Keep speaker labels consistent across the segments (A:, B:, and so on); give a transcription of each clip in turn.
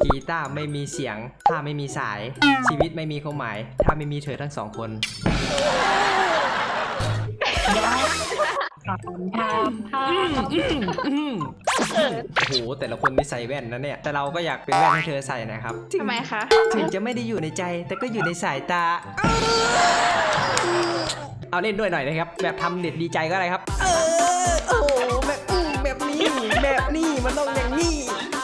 A: กีตาร์ไม่มีเสียงถ้าไม่มีสายชีวิตไม่มีความหมายถ้าไม่มีเธอทั้งสองคนโอ้โหแต่ละคนนี่ใส่แว่นนะเนี่ยแต่เราก็อยากเป็นแว่นให้เธอใส่นะครับ
B: ทำไมคะ
A: ถึงจะไม่ได้อยู่ในใจแต่ก็อยู่ในสายตาเอาเล่นด้วยหน่อยนะครับแบบทำเด็ดดีใจก็อะไรครับโอ้โหแบบนี้มันต้องอย่างนี้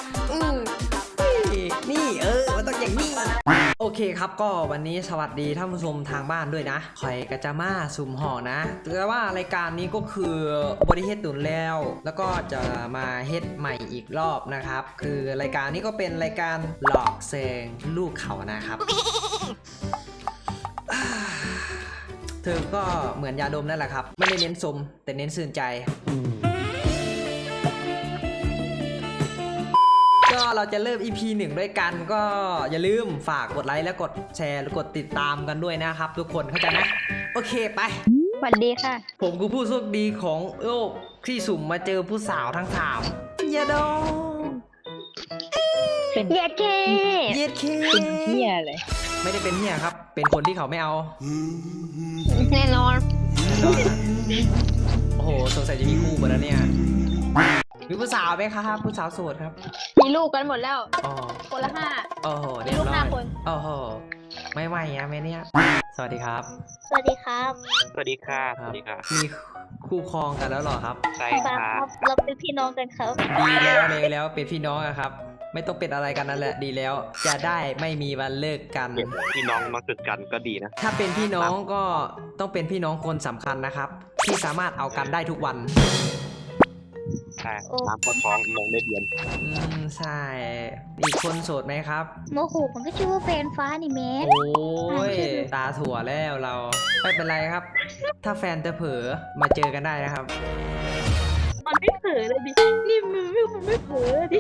A: นี่มันต้องอย่างนี้โอเคครับก็วันนี้สวัสดีท่านผู้ชมทางบ้านด้วยนะคอยกระจะมาสุ่มห่อนะแต่ว่ารายการนี้ก็คือบริเฮ็ดตุนแล้วก็จะมาเฮ็ดใหม่อีกรอบนะครับคือรายการนี้ก็เป็นรายการหลอกแซงลูกเขานะครับ เธอก็เหมือนยาดมนั่นแหละครับไม่ได้เน้นสมแต่เน้นสื่นใจก็เราจะเริ่ม EP 1ด้วยกันก็อย่าลืมฝากกดไลค์และกดแชร์และกดติดตามกันด้วยนะครับทุกคนเข้าใจไหมโอเคไป
B: สวัสดีค่ะ
A: ผมคือผู้โชคดีของโลกที่สุ่มมาเจอผู้สาวทั้งสามอย่าดม
B: เย็ดเค
A: เป็น
B: เฮียเลย
A: ไม่ได้เป็นเฮียครับเป็นคนที่เขาไม่เอา
B: แน่นอน
A: โอ้โหสงสัยจะมีคู่หมดแล้วเนี่ยมีผู้สาวไหมครับผู้สาวโสดครับ
B: มีลูกกันหมดแล้วคนละ5
A: โอ้โห
B: มีลูก5 คน
A: โอ้โหไม่ไหวอะแม่เนี่ยสวัสดีครับ
B: สวัสดีครับ
C: สวัสดีค่ะสวัสดีค่ะ
A: มีคู่ครองกันแล้วหรอครับ
C: ใช่ครับ
B: เราเป็นพี่น้องกันครับ
A: ดีแล้วเป็นพี่น้องอะครับไม่ต้องเป็นอะไรกันนั่นแหละดีแล้วจะได้ไม่มีวันเลิกกัน
C: พี่น้องมาจุดกันก็ดีนะ
A: ถ้าเป็นพี่น้องก็ต้องเป็นพี่น้องคนสำคัญนะครับที่สามารถเอากันได้ทุกวัน
C: ใช่น้ำก็ท้องน้องได้เดือน
A: ใช่อีกคนโสดไหมครับ
B: โมโหมันก็ชื่อว่าแฟนฟ้านี่แม่
A: โอ้ยตาถั่วแล้วเราไม่เป็นไรครับถ้าแฟนจะเผลอมาเจอกันได้นะครับ
B: มันไม่เผลอเลยดินี่มันไม่เผลอดิ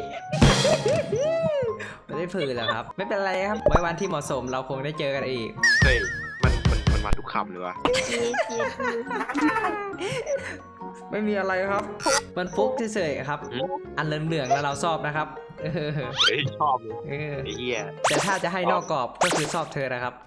A: ไม่ได้เผลอหรอครับไม่เป็นไรครับไว้วันที่เหมาะสมเราคงได้เจอกันอีก
C: เฮ้ยมันมาทุกคำเลยวะ
A: ไม่มีอะไรครับมันฟุกเฉยๆครับอันเหลืองๆแล้วเราชอบนะครับ
C: เฮ้ยชอบเลยไอ้เหี้ย
A: แต่ถ้าจะให้นอกกรอบก็คือชอบเธอนะครับ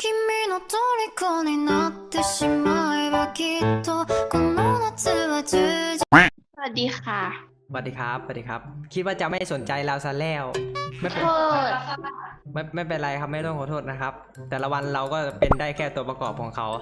B: สวัสดีค่ะ
A: สวัสดีครับคิดว่าจะไม่สนใจเราซะแล้วไม่เป็นไรครับไม่ต้องขอโทษนะครับแต่ละวันเราก็เป็นได้แค่ตัวประกอบของเขา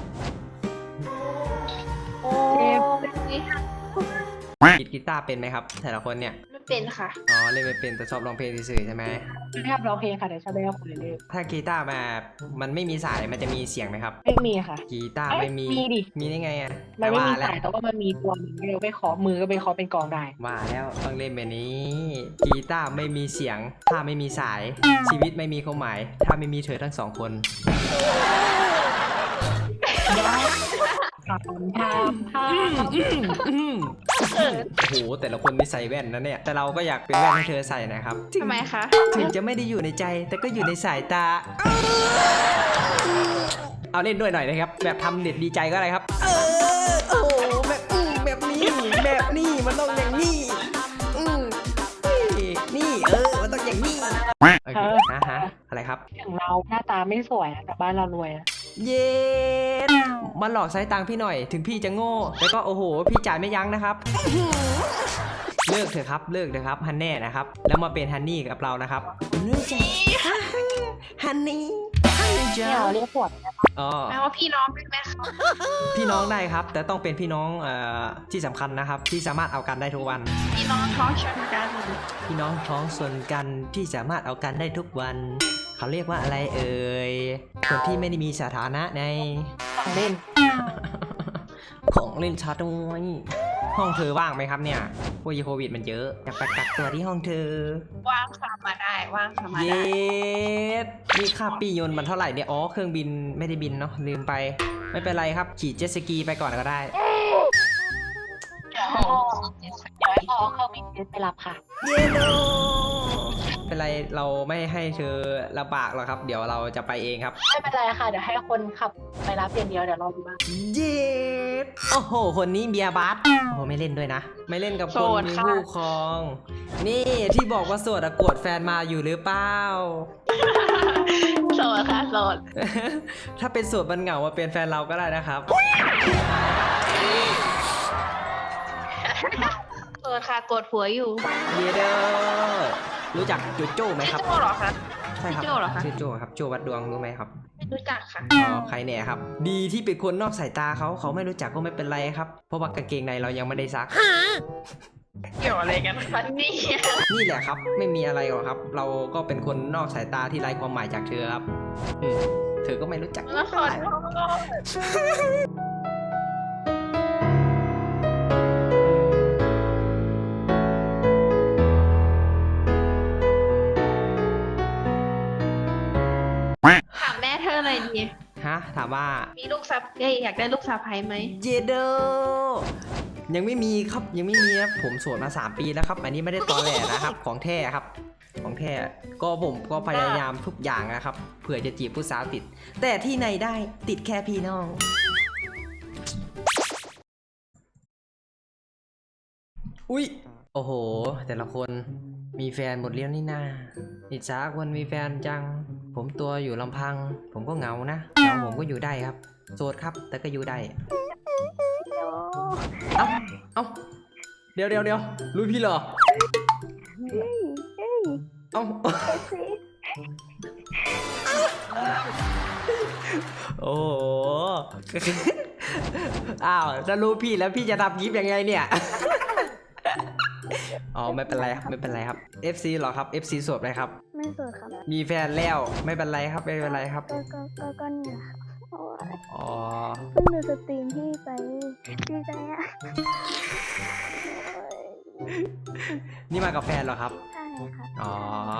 A: กีตาร์เป็นไหมครับแต่ละคนเนี่ย
B: ไม่เป็นค่ะ
A: อ๋อเล่นไม่เป็นแต่ชอบร้องเพลงเฉยๆใช่ไหม
D: ไม่ชอบร้องเพลงค่ะแต่ชอบเล่นกับคนเล่น
A: ถ้ากีตาร์มันไม่มีสายมันจะมีเสียงไหมครับ
D: ไม่มีค่ะ
A: กีตาร์ไม่มี
D: ดิ
A: มีได้ไงอ่ะ
D: มันไม่มีสายแต่ว่ามันมีตัวหนึ่งเราไปขอมือก็ไปขอเป็นกองได้
A: ว่าแล้วต้องเล่นแบบนี้กีตาร์ไม่มีเสียงถ้าไม่มีสายชีวิตไม่มีความหมายถ้าไม่มีเธอทั้งสองคนโอ้โหแต่ละคนนี่ใส่แว่นนะเนี่ยแต่เราก็อยากเป็นแว่นให้เธอใส่นะครับ
B: ทำไมคะ
A: ถึงจะไม่ได้อยู่ในใจแต่ก็อยู่ในสายตาเอาเล่นด้วยหน่อยนะครับแบบทำเด็ดดีใจก็อะไรครับโอ้โหแบบนี้มันต้องอย่างนี้นี่มันต้องอย่างนี้โอเคฮะอะไรครับ
D: อย่างเราหน้าตาไม่สวยแต่บ้านเรารวยนะ
A: เย็นมาหลอกใช้ตังค์พี่หน่อยถึงพี่จะโง่แล้วก็โอ้โหพี่จ่ายไม่ยั้งนะครับเลิกเถอะครับฮันแน่นะครับแล้วมาเป็นฮันนี่กับเรานะครับเลิกจ้ะฮันนี่
D: เรียกปวด
A: อ๋อ
B: แปลว่าพี่น้องได้ไหมคะ
A: พี่น้องได้ครับแต่ต้องเป็นพี่น้องที่สำคัญนะครับที่สามารถเอากันได้ทุกวัน
B: พี่น้องท้องชนกัน
A: พี่น้องท้องชนกันที่สามารถเอากันได้ทุกวันเขาเรียกว่าอะไรเอ่ยคนที่ไม่ได้มีสถานะใน
D: ของเล่น
A: ชัดด้วยห้องเธอว่างไหมครับเนี่ยโควิดมันเยอะอยากไปกักตัวที่ห้องเธอ
B: ว่างค่ะมาได้
A: เย็ดนี่ค่าปียนต์มันเท่าไหร่เนี่ยอ๋อเครื่องบินไม่ได้บินเนาะลืมไปไม่เป็นไรครับขี่เจ็ตสกีไปก่อนก็ได้
D: เดี๋ยวให้พ่อเครื่องบินเจ็ตไปรับค่ะ
A: เย็ดเป็นไรเราไม่ให้เธอลำบากหรอกครับ เดี๋ยวเราจะไปเองครับ
D: ไม่เป็นไรค่ะเดี๋ยวให้คนขับไปรับอย่างเดียวเดี๋ยวรอดูบ้าง
A: เย็ดโอ้โห คนนี้เบียร์บัสโอ้โหไม่เล่นด้วยนะ ไม่เล่นกับคนมีคู่ครอง นี่ที่บอกว่าโสดอะโกรธแฟนมาอยู่หรือเปล่า
B: โสดค่ะโสด
A: ถ้าเป็นโสดมันเหงามาเป็นแฟนเราก็ได้นะครับ
B: โสดค่ะกดผัวอยู่
A: เยเดอร์รู้จักโจโจ้ไหมครับ
B: โจ้เหรอคะ
A: ใช่ครับ
B: โจ้เหรอคะ
A: ชื่อโจ้ครับโจ้วัดดวงรู้ไหมครับ
B: รู้จักค่ะ
A: อ๋อใครเนี่ยครับ ดีที่เป็นคนนอกสายตาเขาไม่รู้จักก็ไม่เป็นไรครับ เพราะว่ากางเกงในเรายังไม่ได้ซัก
B: เกี่ยวอะไรกันฟันนี่
A: นี่แหละครับไม่มีอะไรหรอกครับ เราก็เป็นคนนอกสายตาที่ไร้ความหมายจากเธอครับเธอก็ไม่รู้จัก
B: แล้วขอโทษ ถามแม่เธอหน่อยดี
A: ฮะถามว่า
B: มีลูกสะอยากได้ลูกสะใภ้ไหม
A: เยเดอร์ยังไม่มีครับยังไม่มีครับผมโสดมา3 ปีแล้วครับ อันนี้ไม่ได้ตอแหลนะครับ ของแท้ครับ ของแท้ก็ผมก็พยายามทุกอย่างนะครับเผื่อจะจีบผู้สาวติด แต่ที่ไหนได้ติดแค่พี่น้อง อุ๊ยโอ้โห แต่ละคนมีแฟนหมดเลี้ยวนี่นาอิจฉาคนมีแฟนจัง ผมตัวอยู่ลำพัง ผมก็เหงานะเหงาผมก็อยู่ได้ครับโสดครับ แต่ก็อยู่ได้ เอ้าเอ้าเดี๋ยวรู้พี่เหรอ เอ้า โอ้โห อ้าวถ้ารู้พี่แล้วพี่จะทำคลิปยังไงเนี่ย อ๋อไม่เป็นไรครับไม่เป็นไรครับ FC เหรอครับ FC โสดไหมครับ
E: ไม่โสดครับ
A: มีแฟนแล้วไม่เป็นไรครับไม่เป็นไรครับ
E: ก็เนี่ยครับโอ้ย
A: อ๋อ
E: เพิ่งดูสตรีมพี่ไปดีใจอ่ะโอ้ย
A: นี่มากับแฟนเหรอครับ
E: ใช่ค่ะ
A: อ๋อ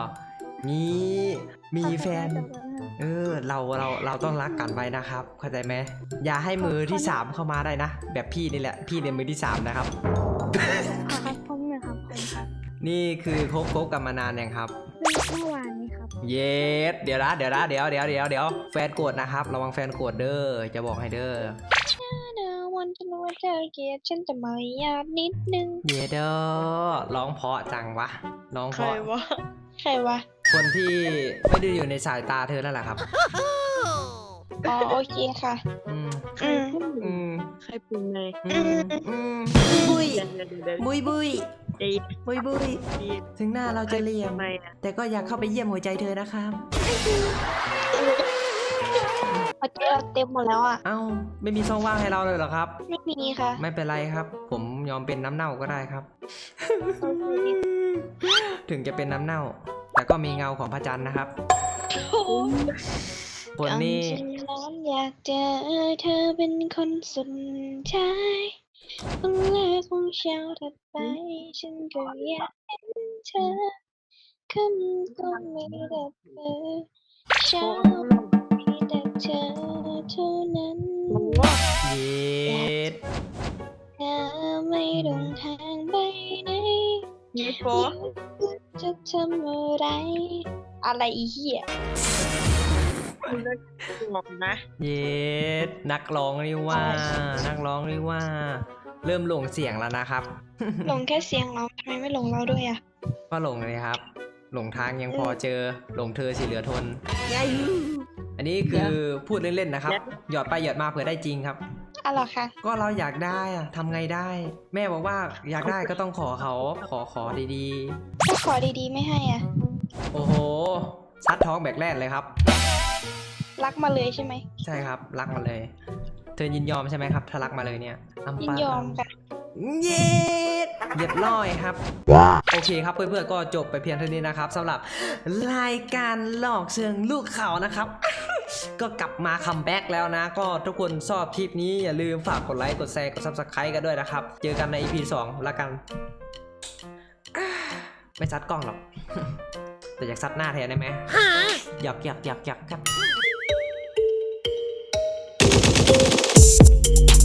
A: มีแฟน เราต้องรักกันไว้นะครับ เข้าใจไหมอย่าให้มือที่ 3 เข้ามาได้นะ แบบพี่นี่แหละ พี่เนี่ยมือที่ 3 นะครับ
E: ครับผมเนี่ยครับผมครับ
A: นี่คือคบกันมานานยังครับ
E: เมื่อวานนี้ครับ
A: เยสเดี๋ยวแฟนโกรธนะครับ ระวังแฟนโกรธเด้อ จะบอกให้เด้อ
E: วันจะรู้ว่าเธอเกลียดฉันแต่มารยาทนิดนึง
A: เยเด้อร้องเพราะจังวะร้องเพ
B: ใคร
A: ราะ
B: วะ ใครวะ
A: คนที่ไม่ได้อยู่ในสายตาเธอนั่นแหละครับ
B: อ๋อโอเคค่ะ
A: อืม
B: อืม
A: อืม
B: ใครเป็นไง
A: บุย
B: เดี๋ยว
A: บุยบุย
B: ดี
A: บุยบุยถึงหน้าเราจะเหลี่ยม
B: ทำไมอ่ะ
A: แต่ก็อยากเข้าไปเยี่ยมหัวใจเธอนะครับ
E: พอเจอเต็มหมดแล้วอ่ะ
A: เอ้าไม่มีช่องว่างให้เราเลยเหรอครับ
E: ไม่มีค่ะ
A: ไม่เป็นไรครับ ผมยอมเป็นน้ำเน่าก็ได้ครับ ถึงจะเป็นน้ำเน่า แต่ก็มีเงาของพระจันทร์นะครับคนนี้
E: จริงๆแล้วอยากเจอเธอเป็นคนสุดท้ายคนแรกของเช้าถัดไป ฉันก็อยากเห็นเธอค่ำก็มีแต่เธอเช้ามีแต่เธอเท่านั้น
A: เย็ด
E: เธอไม่ลงทางไปไหน
B: มีโฟ
E: จะทำอะไร อะไรอีเหี้ย
B: บอกนะ
A: เย็ดนักร้องนี่ว่า นักร้องนี่ว่า เริ่มหลงเสียงแล้วนะครับ
E: หลงแค่เสียงเราทำไมไม่หลงเราด้วยอ่ะ
A: ก็หลงเลยครับ หลงทางยังพอเจอ หลงเธอสิเหลือทน อันนี้คือพูดเล่นๆนะครับ หยอดไปหยอดมาเผื่อได้จริงครับ
E: อ๋อเหรอคะ
A: ก็เราอยากได้อะทำไงได้ แม่บอกว่าอยากได้ก็ต้องขอเขาขอดี
E: ถ้าขอดีๆไม่ให้อ่ะ
A: ๆ โอ้โหซัดท้องแบกแรกเลยครับ
E: รักมาเลยใช่ไหม
A: ใช่ครับรักมาเลย เธอยินยอมใช่ไหมครับถ้ารักมาเลยเนี่ย
E: ยินยอมค่ะ
A: เย็ดเรียบร้อยครับ โอเคครับเพื่อนๆก็จบไปเพียงเท่านี้นะครับสำหรับรายการหลอกเชิงลูกเขานะครับ ก็กลับมาคัมแบ็กแล้วนะ ก็ทุกคนชอบคลิปนี้อย่าลืมฝากกดไลค์กดแชร์กด Subscribe กันด้วยนะครับ เจอกันใน EP 2 แล้วกันไม่ซัดกล้องหรอก แต่อยากซัดหน้าแทนได้ไหมหยอกครับ